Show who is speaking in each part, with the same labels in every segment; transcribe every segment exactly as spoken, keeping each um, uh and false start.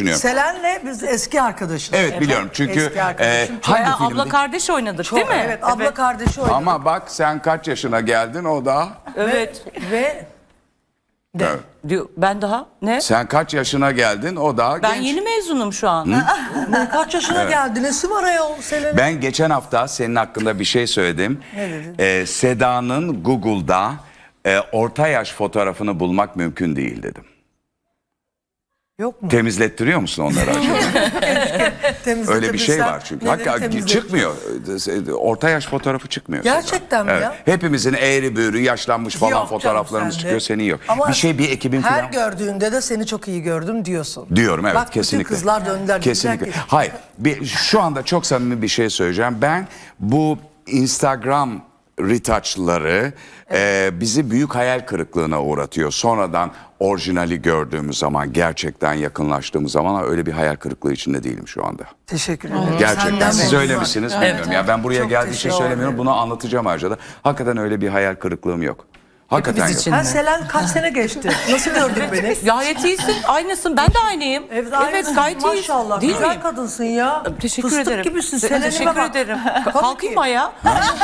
Speaker 1: Selen'le biz eski arkadaşız.
Speaker 2: Evet, evet biliyorum çünkü e, hangi
Speaker 3: Bayağı
Speaker 2: filmdi?
Speaker 3: abla kardeş oynadık
Speaker 1: Çok,
Speaker 3: değil mi?
Speaker 1: Evet abla evet. kardeşi oynadık.
Speaker 2: Ama bak sen kaç yaşına geldin o da.
Speaker 3: Evet.
Speaker 1: Ve, ve de.
Speaker 2: Evet.
Speaker 3: Diyor, ben daha ne?
Speaker 2: Sen kaç yaşına geldin o daha
Speaker 3: Ben
Speaker 2: genç.
Speaker 3: yeni mezunum şu an.
Speaker 1: Ne, kaç yaşına evet. geldi? Nesi var ayol Selen'in?
Speaker 2: Ben geçen hafta senin hakkında bir şey söyledim.
Speaker 1: Ne dedin?
Speaker 2: Ee, Seda'nın Google'da e, orta yaş fotoğrafını bulmak mümkün değil dedim.
Speaker 1: Yok mu?
Speaker 2: Temizlettiriyor musun onları acaba? Öyle bir şey var çünkü. Hakikaten çıkmıyor. Orta yaş fotoğrafı çıkmıyor.
Speaker 1: Gerçekten
Speaker 2: Seda.
Speaker 1: mi
Speaker 2: Evet.
Speaker 1: ya?
Speaker 2: Hepimizin eğri büğrü yaşlanmış falan
Speaker 1: Yok
Speaker 2: fotoğraflarımız
Speaker 1: canım,
Speaker 2: çıkıyor.
Speaker 1: sende.
Speaker 2: Senin yok.
Speaker 1: Ama
Speaker 2: bir şey bir ekibin
Speaker 1: her
Speaker 2: falan.
Speaker 1: gördüğünde de seni çok iyi gördüm diyorsun.
Speaker 2: Diyorum evet
Speaker 1: Bak,
Speaker 2: kesinlikle.
Speaker 1: Bak kızlar döndüler.
Speaker 2: Kesinlikle.
Speaker 1: Ki...
Speaker 2: Hayır bir, şu anda çok samimi bir şey söyleyeceğim. Ben bu Instagram retouchları evet. e, bizi büyük hayal kırıklığına uğratıyor. Sonradan orijinali gördüğümüz zaman, gerçekten yakınlaştığımız zaman öyle bir hayal kırıklığı içinde değilim şu anda.
Speaker 1: Teşekkür ederim.
Speaker 2: Gerçekten siz
Speaker 1: Senden
Speaker 2: öyle misiniz
Speaker 1: evet.
Speaker 2: bilmiyorum. Evet. Ya ben buraya
Speaker 1: çok
Speaker 2: geldiği için söylemiyorum. Bunu anlatacağım ayrıca da. Hakikaten öyle bir hayal kırıklığım yok. Hakikaten yok.
Speaker 1: Ha, Selen kaç sene geçti? Nasıl gördün beni?
Speaker 3: Gayet iyisin. Aynısın. Ben de aynıyım.
Speaker 1: Evet,
Speaker 3: evet gayet iyisin.
Speaker 1: Maşallah.
Speaker 3: Değil
Speaker 1: güzel
Speaker 3: miyim?
Speaker 1: kadınsın ya.
Speaker 3: Teşekkür
Speaker 1: Fıstık
Speaker 3: ederim.
Speaker 1: gibisin.
Speaker 3: Te
Speaker 1: Selen'ime
Speaker 3: teşekkür
Speaker 1: bak.
Speaker 3: ederim. Kalkayım mı ayağa?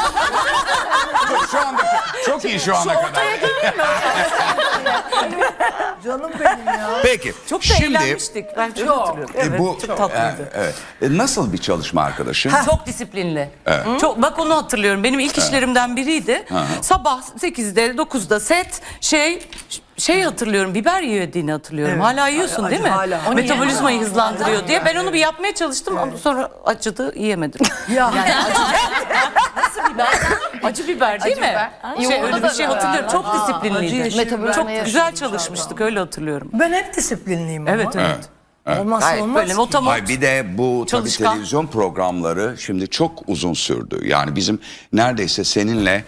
Speaker 2: Şu anda çok iyi şu ana kadar.
Speaker 1: Canım benim ya.
Speaker 2: Peki.
Speaker 3: Çok da
Speaker 2: şimdi,
Speaker 3: eğlenmiştik. Ben çok,
Speaker 1: Çok.
Speaker 3: hatırlıyorum.
Speaker 2: E,
Speaker 3: Evet,
Speaker 2: bu,
Speaker 3: çok tatlıydı.
Speaker 2: E, evet. E, nasıl bir çalışma arkadaşı?
Speaker 3: Çok disiplinli. Evet. Çok, bak onu hatırlıyorum. Benim ilk işlerimden biriydi. Hı. Sabah sekizde dokuzda set şey şey hatırlıyorum. Biber yediğini hatırlıyorum. Evet. Hala yiyorsun
Speaker 1: Acı,
Speaker 3: değil mi?
Speaker 1: hala.
Speaker 3: Metabolizmayı hızlandırıyor diye. Ben onu bir yapmaya çalıştım ama sonra acıdı, yiyemedim.
Speaker 1: Ya.
Speaker 3: Yani acı, nasıl biber? Acı biber değil
Speaker 4: acı
Speaker 3: mi?
Speaker 4: Biber.
Speaker 3: Şey, öyle bir şey hatırlıyorum. Çok disiplinliydi.
Speaker 1: Acı
Speaker 3: Çok güzel çalışmıştık. Öyle hatırlıyorum.
Speaker 1: Ben hep disiplinliyim ama.
Speaker 3: Evet evet.
Speaker 2: Evet.
Speaker 1: Olmazsa
Speaker 3: Hayır,
Speaker 1: olmaz
Speaker 3: böyle
Speaker 1: ki.
Speaker 3: motomot.
Speaker 2: Hayır, bir de bu tabii
Speaker 3: Çalışkan.
Speaker 2: televizyon programları şimdi çok uzun sürdü. Yani bizim neredeyse seninle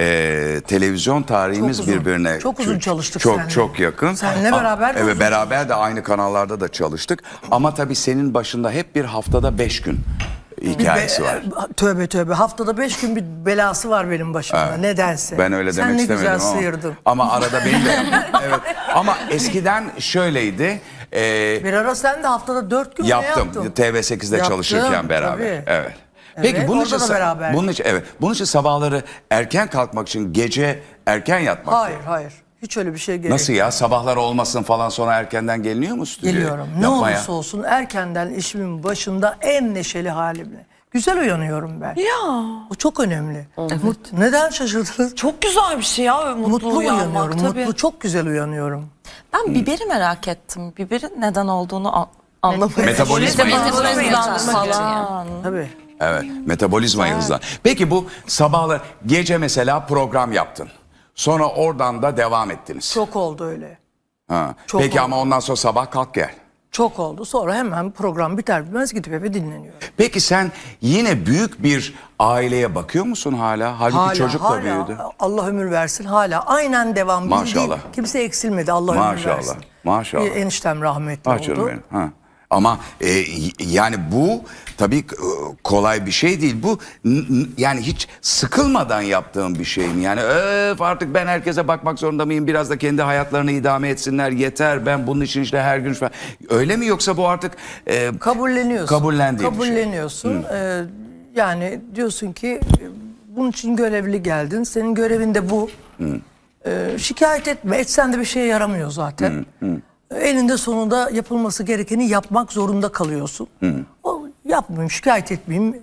Speaker 2: e, televizyon tarihimiz
Speaker 1: Çok uzun.
Speaker 2: birbirine
Speaker 1: Çok uzun çalıştık
Speaker 2: çok
Speaker 1: seninle.
Speaker 2: çok yakın.
Speaker 1: Seninle beraber de
Speaker 2: Evet,
Speaker 1: uzun
Speaker 2: beraber de aynı kanallarda da çalıştık. Ama tabii senin başında hep bir haftada beş gün hikayesi
Speaker 1: Be-
Speaker 2: var.
Speaker 1: Tövbe tövbe. Haftada beş gün bir belası var benim başımda.
Speaker 2: Evet.
Speaker 1: Nedense.
Speaker 2: Ben öyle
Speaker 1: Sen
Speaker 2: demek
Speaker 1: ne
Speaker 2: istemedim
Speaker 1: güzel
Speaker 2: ama.
Speaker 1: sıyırdın.
Speaker 2: Ama arada benim de evet. Ama eskiden şöyleydi. E,
Speaker 1: Bir ara sen de haftada dört gün
Speaker 2: Yaptım.
Speaker 1: ne yaptın?
Speaker 2: T V sekizde
Speaker 1: Yaptım,
Speaker 2: çalışırken beraber.
Speaker 1: tabii.
Speaker 2: Evet. Peki
Speaker 1: Evet,
Speaker 2: bunun
Speaker 1: orada
Speaker 2: için
Speaker 1: da beraber.
Speaker 2: bunun için evet. Bunun için sabahları erken kalkmak için gece erken yatmak.
Speaker 1: Hayır hayır. Hiç öyle bir şey gerek
Speaker 2: Nasıl ya? Sabahlar olmasın falan sonra erkenden geliniyor mu stüdyoya?
Speaker 1: Geliyorum. Ne
Speaker 2: Yapmaya.
Speaker 1: olursa olsun erkenden işimin başında en neşeli halimle. Güzel uyanıyorum ben.
Speaker 4: Ya.
Speaker 1: O çok önemli. Mut, neden şaşırdınız?
Speaker 4: Çok güzel bir şey ya. Mutlu,
Speaker 1: Mutlu
Speaker 4: uyanmak
Speaker 1: uyanıyorum.
Speaker 4: tabii.
Speaker 1: Mutlu, çok güzel uyanıyorum.
Speaker 4: Ben biberi merak ettim. Biberin neden olduğunu an- anlamadım.
Speaker 2: Metabolizmayı
Speaker 3: Metabolizmayı
Speaker 4: hızlandırmak için.
Speaker 3: falan.
Speaker 1: Tabii.
Speaker 2: Evet. Metabolizmayı hızlan. Peki bu sabahlar gece mesela program yaptın. Sonra oradan da devam ettiniz.
Speaker 1: Çok oldu öyle.
Speaker 2: Ha.
Speaker 1: çok
Speaker 2: Peki
Speaker 1: oldu.
Speaker 2: ama ondan sonra sabah kalk gel.
Speaker 1: Çok oldu. Sonra hemen program biter bitmez gidip eve dinleniyorum.
Speaker 2: Peki sen yine büyük bir aileye bakıyor musun hala? Halbuki
Speaker 1: Hala,
Speaker 2: çocuk da
Speaker 1: hala,
Speaker 2: büyüdü.
Speaker 1: Allah ömür versin. Hala aynen devam.
Speaker 2: Maşallah.
Speaker 1: Bildiğin, kimse eksilmedi. Allah ömür
Speaker 2: Maşallah,
Speaker 1: versin.
Speaker 2: maşallah.
Speaker 1: Bir eniştem rahmetli
Speaker 2: Ah canım
Speaker 1: oldu.
Speaker 2: benim. Ha. Ama e, y- yani bu tabii e, kolay bir şey değil. Bu n- n- yani hiç sıkılmadan yaptığım bir şey mi? Yani öf artık ben herkese bakmak zorunda mıyım? Biraz da kendi hayatlarını idame etsinler. Yeter ben bunun için işte her gün falan. Öyle mi yoksa bu artık e,
Speaker 1: Kabulleniyorsun.
Speaker 2: kabullendiğin bir şey?
Speaker 1: Kabulleniyorsun. Ee, yani diyorsun ki e, bunun için görevli geldin. Senin görevin de bu. Ee, şikayet etme. Etsen de bir şeye yaramıyor zaten. Eninde sonunda yapılması gerekeni yapmak zorunda kalıyorsun. O yapmayayım, şikayet etmeyeyim.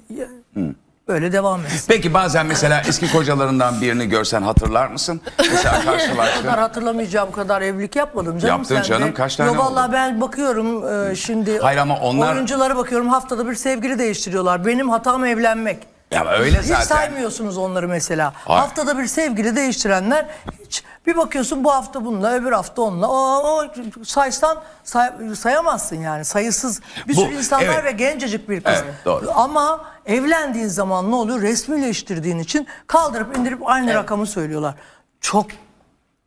Speaker 1: Böyle devam etsin.
Speaker 2: Peki bazen mesela eski kocalarından birini görsen hatırlar mısın? Mesela
Speaker 1: O
Speaker 2: karşılaştın.
Speaker 1: kadar hatırlamayacağım kadar evlilik yapmadım canım.
Speaker 2: Yaptın
Speaker 1: sen
Speaker 2: canım,
Speaker 1: de.
Speaker 2: kaç tane
Speaker 1: Yo, vallahi
Speaker 2: oldu?
Speaker 1: ben bakıyorum e, şimdi
Speaker 2: Hayır ama onlar-
Speaker 1: oyunculara bakıyorum haftada bir sevgili değiştiriyorlar. Benim hatam evlenmek.
Speaker 2: Ya öyle
Speaker 1: Hiç
Speaker 2: zaten.
Speaker 1: saymıyorsunuz onları mesela.
Speaker 2: Hayır.
Speaker 1: Haftada bir sevgili değiştirenler hiç bir bakıyorsun bu hafta bununla öbür hafta onunla. O, o saysan say, sayamazsın yani sayısız bir
Speaker 2: Bu,
Speaker 1: sürü insanlar
Speaker 2: evet.
Speaker 1: ve gencecik bir kız.
Speaker 2: Evet, doğru.
Speaker 1: Ama evlendiğin zaman ne oluyor? Resmileştirdiğin için kaldırıp indirip aynı rakamı söylüyorlar. Çok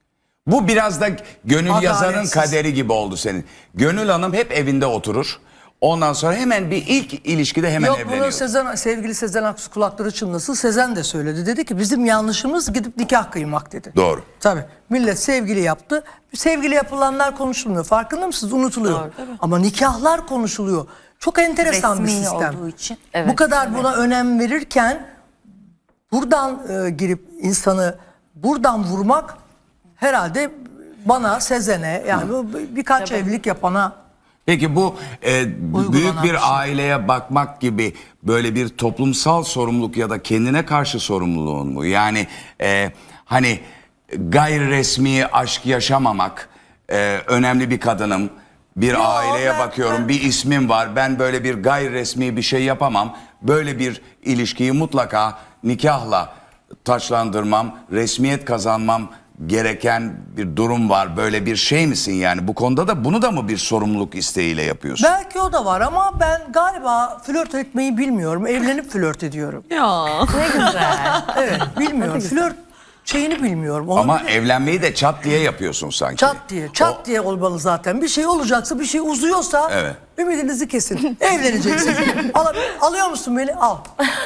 Speaker 2: Bu biraz da Gönül
Speaker 1: Adaletsiz.
Speaker 2: Yazar'ın kaderi gibi oldu senin. Gönül Hanım hep evinde oturur. Ondan sonra hemen bir ilk ilişkide hemen
Speaker 1: Yok bunu
Speaker 2: evleniyor.
Speaker 1: Sezen, sevgili Sezen Aksu kulakları çınlasın. Sezen de söyledi. Dedi ki bizim yanlışımız gidip nikah kıymak dedi.
Speaker 2: Doğru.
Speaker 1: Tabii. Millet sevgili yaptı. Sevgili yapılanlar konuşulmuyor. Farkında mısınız? Unutuluyor.
Speaker 4: Doğru, tabii.
Speaker 1: Ama nikahlar konuşuluyor. Çok enteresan bir
Speaker 5: Resmi
Speaker 1: sistem.
Speaker 5: olduğu için.
Speaker 1: Bu kadar buna önem verirken buradan e, girip insanı buradan vurmak herhalde bana, Sezen'e yani bu birkaç evlilik yapana
Speaker 2: Peki bu e, büyük
Speaker 1: bir
Speaker 2: bir
Speaker 1: şey.
Speaker 2: aileye bakmak gibi böyle bir toplumsal sorumluluk ya da kendine karşı sorumluluğun mu? Yani e, hani gayri resmi aşk yaşamamak, e, önemli bir kadınım, bir
Speaker 1: Yo,
Speaker 2: aileye
Speaker 1: ben-
Speaker 2: bakıyorum,
Speaker 1: ben-
Speaker 2: bir ismim var, ben böyle bir gayri resmi bir şey yapamam. Böyle bir ilişkiyi mutlaka nikahla taçlandırmam, resmiyet kazanmam gereken bir durum var. Böyle bir şey misin yani? Bu konuda da bunu da mı bir sorumluluk isteğiyle yapıyorsun?
Speaker 1: belki o da var ama ben galiba flört etmeyi bilmiyorum. Evlenip flört ediyorum.
Speaker 4: Ya.
Speaker 5: Ne güzel.
Speaker 1: Evet, bilmiyorum. Flört şeyini bilmiyorum. Onu
Speaker 2: Ama
Speaker 1: bile-
Speaker 2: evlenmeyi de çat diye yapıyorsun sanki.
Speaker 1: çat diye, çat diye olmalı zaten. Bir şey olacaksa, bir şey uzuyorsa
Speaker 2: Evet.
Speaker 1: ümidinizi kesin. Evleneceksin. Al, alıyor musun beni? Al.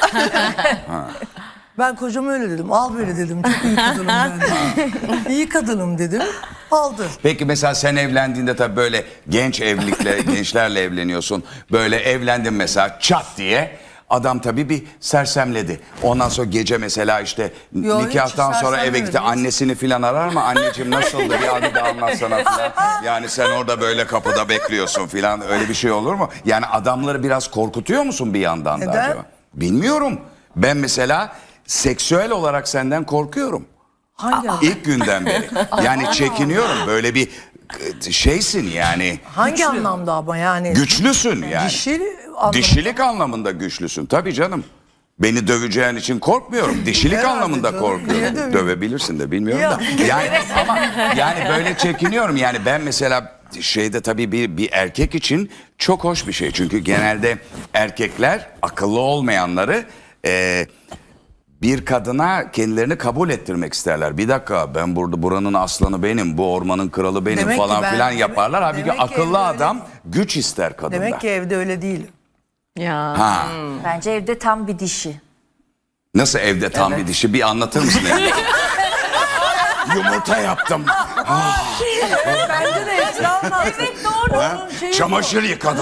Speaker 1: Ben kocama öyle dedim. Al böyle dedim. Çok iyi kadınım ben de. İyi kadınım dedim. Aldı.
Speaker 2: Peki mesela sen evlendiğinde tabii böyle genç evlilikle, gençlerle evleniyorsun. Böyle evlendin mesela çat diye. Adam tabii bir sersemledi. Ondan sonra gece mesela işte
Speaker 1: Yo, hiç
Speaker 2: nikahtan sonra eve
Speaker 1: sersemlemedi,
Speaker 2: gitti.
Speaker 1: hiç.
Speaker 2: Annesini filan arar mı? Anneciğim nasıldı bir anı da anlatsana filan. Yani sen orada böyle kapıda bekliyorsun filan. Öyle bir şey olur mu? Yani adamları biraz korkutuyor musun bir yandan da
Speaker 1: Neden?
Speaker 2: acaba? Bilmiyorum. Ben mesela seksüel olarak senden korkuyorum.
Speaker 1: Hangi adam?
Speaker 2: İlk günden beri. Yani çekiniyorum. Böyle bir e, şeysin yani.
Speaker 1: Hangi anlamda ama yani?
Speaker 2: Güçlüsün yani.
Speaker 1: Dişi anlamda.
Speaker 2: Dişilik anlamında güçlüsün. Tabii canım. Beni döveceğin için korkmuyorum. Dişilik
Speaker 1: Herhalde
Speaker 2: anlamında
Speaker 1: canım. Niye
Speaker 2: korkuyorum.
Speaker 1: döveyim?
Speaker 2: Dövebilirsin de bilmiyorum da. Yani ama yani böyle çekiniyorum. Yani ben mesela şeyde tabii bir bir erkek için çok hoş bir şey. Çünkü genelde erkekler akıllı olmayanları e, bir kadına kendilerini kabul ettirmek isterler. Bir dakika ben burada buranın aslanı benim, bu ormanın kralı benim
Speaker 1: Demek ki
Speaker 2: falan
Speaker 1: ben-
Speaker 2: filan
Speaker 1: demek-
Speaker 2: yaparlar. Halbuki
Speaker 1: demek ki
Speaker 2: akıllı
Speaker 1: evde
Speaker 2: adam
Speaker 1: öyle-
Speaker 2: güç ister kadında.
Speaker 1: Demek ki evde öyle değil.
Speaker 4: Ya.
Speaker 2: Ha.
Speaker 5: Bence evde tam bir dişi.
Speaker 2: Nasıl evde tam bir dişi bir anlatır mısın? evde? Yumurta yaptım.
Speaker 1: Bence de etrafına. Evet doğru.
Speaker 2: Ha? Çamaşır yıkadım.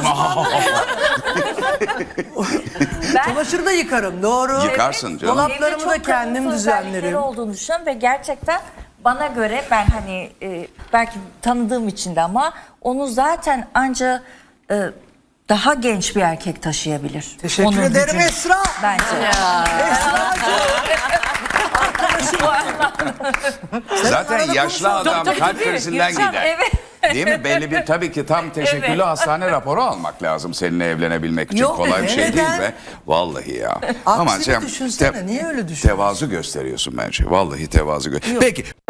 Speaker 1: Çamaşırı da yıkarım doğru.
Speaker 2: Yıkarsın canım.
Speaker 1: Dolaplarımı
Speaker 5: Evde
Speaker 1: da
Speaker 5: çok
Speaker 1: kendim
Speaker 5: kadınsı özellikleri
Speaker 1: düzenlerim.
Speaker 5: olduğunu düşünüyorum ve gerçekten bana göre ben hani e, belki tanıdığım için de ama onu zaten anca e, daha genç bir erkek taşıyabilir.
Speaker 1: Teşekkür
Speaker 5: Onun
Speaker 1: ederim
Speaker 5: gücünü.
Speaker 1: Esra.
Speaker 5: Bence.
Speaker 2: Zaten
Speaker 1: arada
Speaker 2: yaşlı
Speaker 1: konuşalım.
Speaker 2: adam
Speaker 3: Tabii,
Speaker 2: kalp
Speaker 3: tabii.
Speaker 2: krizinden
Speaker 3: Yaşam,
Speaker 2: gider.
Speaker 5: evet.
Speaker 2: Değil mi? Belli bir tabii ki tam teşekküllü hastane raporu almak lazım seninle evlenebilmek için.
Speaker 1: Yok
Speaker 2: Kolay
Speaker 1: be,
Speaker 2: bir şey değil
Speaker 1: neden?
Speaker 2: be. Vallahi ya.
Speaker 1: Aksini
Speaker 2: sen
Speaker 1: düşünsene, niye öyle düşünüyorsun?
Speaker 2: Tevazu gösteriyorsun bence. Vallahi tevazu gö- Peki.